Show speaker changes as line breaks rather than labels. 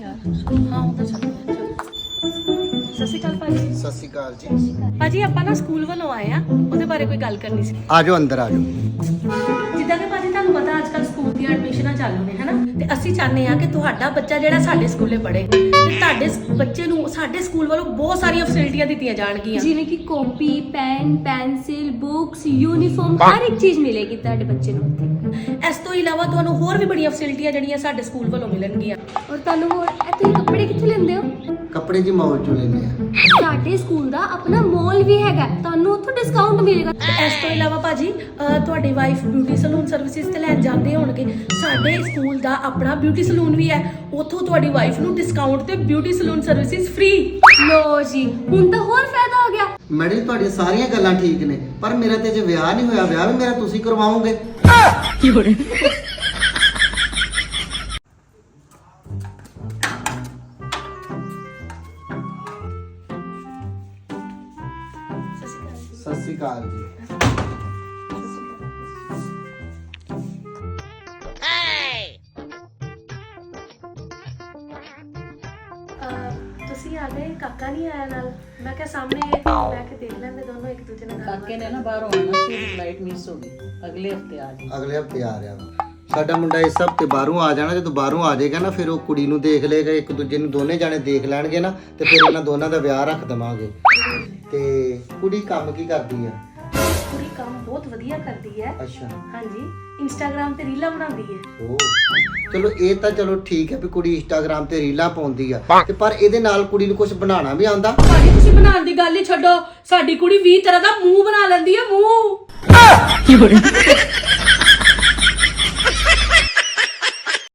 ਹਾਂ ਉਹ ਤਾਂ ਚੱਲ ਸਤਿ ਸ਼੍ਰੀ ਅਕਾਲ ਭਾਜੀ।
ਸਤਿ ਸ਼੍ਰੀ ਅਕਾਲ ਜੀ।
ਭਾਜੀ ਆਪਾਂ ਨਾ ਸਕੂਲ ਵੱਲੋਂ ਆਏ ਆ, ਉਹਦੇ ਬਾਰੇ ਕੋਈ ਗੱਲ ਕਰਨੀ ਸੀ।
ਆ ਜਾਓ ਅੰਦਰ ਆ ਜਾਓ।
ਜਿੱਦਾਂ ਕਿ ਭਾਜੀ ਤੁਹਾਨੂੰ ਪਤਾ ਅੱਜ ਕੱਲ ਸਕੂਲ ਦੀਆਂ ਐਡਮਿਸ਼ਨਾਂ ਚਾਲੂ ਨੇ ਹਨਾ, ਤੇ ਅਸੀਂ ਚਾਹੁੰਦੇ ਆ ਕਿ ਤੁਹਾਡਾ ਬੱਚਾ ਜਿਹੜਾ ਸਾਡੇ ਸਕੂਲੇ ਪੜ੍ਹੇ ਤੇ ਤੁਹਾਡੇ ਬੱਚੇ ਨੂੰ ਸਾਡੇ ਸਕੂਲ ਵੱਲੋਂ ਬਹੁਤ ਸਾਰੀਆਂ ਫੈਸਿਲਿਟੀਆਂ ਦਿੱਤੀਆਂ ਜਾਣਗੀਆਂ,
ਜਿਵੇਂ ਕਿ copy, pen, pencil, books, uniform, ਹਰ ਇੱਕ ਚੀਜ਼ ਮਿਲੇਗੀ ਤੁਹਾਡੇ ਬੱਚੇ ਨੂੰ ਉੱਥੇ।
ਇਸ ਤੋਂ ਇਲਾਵਾ ਤੁਹਾਨੂੰ ਹੋਰ ਵੀ ਬੜੀਆਂ ਫੈਸਿਲਿਟੀਆਂ ਜਿਹੜੀਆਂ ਸਾਡੇ ਸਕੂਲ ਵੱਲੋਂ ਮਿਲਣਗੀਆਂ।
ਔਰ ਤੁਹਾਨੂੰ ਹੋਰ ਤੁਸੀਂ ਕੱਪੜੇ ਕਿੱਥੋਂ ਲੈਂਦੇ ਹੋ?
ਕੱਪੜੇ ਦੀ ਮੌਲ ਚੋਂ ਲੈਂਦੇ ਆ।
ਸਾਡੇ ਸਕੂਲ ਦਾ ਆਪਣਾ ਮਾਲ ਵੀ ਹੈਗਾ, ਤੁਹਾਨੂੰ ਉੱਥੋਂ ਡਿਸਕਾਊਂਟ ਮਿਲੇਗਾ।
ਤੇ ਇਸ ਤੋਂ ਇਲਾਵਾ ਭਾਜੀ ਤੁਹਾਡੀ ਵਾਈਫ ਬਿਊਟੀ ਸਲੂਨ ਸਰਵਿਸਿਜ਼ ਤੇ ਲੈਣ ਜਾਂਦੇ ਹੋਣਗੇ, ਸਾਡੇ ਸਕੂਲ ਦਾ ਆਪਣਾ ਬਿਊਟੀ ਸਲੂਨ ਵੀ ਹੈ, ਉੱਥੋਂ ਤੁਹਾਡੀ ਵਾਈਫ ਨੂੰ ਡਿਸਕਾਊਂਟ ਤੇ ਬਿਊਟੀ ਸਲੂਨ ਸਰਵਿਸਿਜ਼ ਫ੍ਰੀ।
ਲੋ ਜੀ, ਹੁਣ ਤਾਂ ਹੋਰ ਫਾਇਦਾ ਹੋ ਗਿਆ।
ਮੈਡਮ ਤੁਹਾਡੀਆਂ ਸਾਰੀਆਂ ਗੱਲਾਂ ਠੀਕ ਨੇ, ਪਰ ਮੇਰਾ ਤੇ ਜੇ ਵਿਆਹ ਨਹੀਂ ਹੋਇਆ, ਵਿਆਹ ਵੀ ਮੇਰਾ ਤੁਸੀਂ ਕਰਵਾਓਗੇ।
ਕੀ ਹੋ ਰਿਹਾ?
ਸਤਿ ਸ਼੍ਰੀ ਅਕਾਲ ਜੀ।
ਤੁਸੀਂ ਆ ਗਏ, ਕਾਕਾ ਨਹੀਂ ਆਇਆ ਨਾਲ? ਮੈਂ ਕਿਹਾ ਸਾਹਮਣੇ ਬਹਿ ਕੇ ਦੇਖ ਲੈਂਦੇ ਦੋਨੋਂ ਇੱਕ ਦੂਜੇ ਨਾਲ।
ਕਾਕੇ ਨੇ ਨਾ ਬਾਹਰੋਂ ਆਉਣਾ ਸੀ, ਫਲਾਈਟ ਮਿਸ ਹੋ ਗਈ, ਅਗਲੇ ਹਫਤੇ ਆ ਜੀ।
ਅਗਲੇ ਹਫਤੇ ਆ ਰਿਹਾ ਵਾ ਸਾਡਾ ਮੁੰਡਾ, ਇਸ ਹਫਤੇ ਬਾਹਰੋਂ ਆ ਜਾਣਾ। ਜਦੋਂ ਬਾਹਰੋਂ ਆ ਜਾਏਗਾ ਨਾ, ਫਿਰ ਉਹ ਕੁੜੀ ਨੂੰ ਦੇਖ ਲਏਗਾ, ਇੱਕ ਦੂਜੇ ਨੂੰ ਦੋਨੇ ਜਾਣੇ ਦੇਖ ਲੈਣਗੇ ਨਾ, ਤੇ ਫਿਰ ਇਹਨਾਂ ਦੋਨਾਂ ਦਾ ਵਿਆਹ ਰੱਖ ਦੇਵਾਂਗੇ। ਤੇ ਕੁੜੀ ਕੰਮ ਕੀ ਕਰਦੀ ਆ?
ਕੁੜੀ ਕੰਮ ਬਹੁਤ ਵਧੀਆ ਕਰਦੀ ਹੈ।
ਅੱਛਾ।
ਹਾਂਜੀ, ਇੰਸਟਾਗ੍ਰਾਮ ਤੇ ਰੀਲਾਂ ਬਣਾਉਂਦੀ ਹੈ।
ਓ ਚਲੋ, ਇਹ ਤਾਂ ਚਲੋ ਠੀਕ ਹੈ ਵੀ ਕੁੜੀ ਇੰਸਟਾਗ੍ਰਾਮ ਤੇ ਰੀਲਾਂ ਪਾਉਂਦੀ ਆ, ਤੇ ਪਰ ਇਹਦੇ ਨਾਲ ਕੁੜੀ ਨੂੰ ਕੁਝ ਬਣਾਉਣਾ ਵੀ ਆਉਂਦਾ।
ਭਾਜੀ ਤੁਸੀਂ ਬਣਾਉਣ ਦੀ ਗੱਲ ਹੀ ਛੱਡੋ, ਸਾਡੀ ਕੁੜੀ 20 ਤਰ੍ਹਾਂ ਦਾ ਮੂੰਹ ਬਣਾ ਲੈਂਦੀ ਹੈ, ਮੂੰਹ।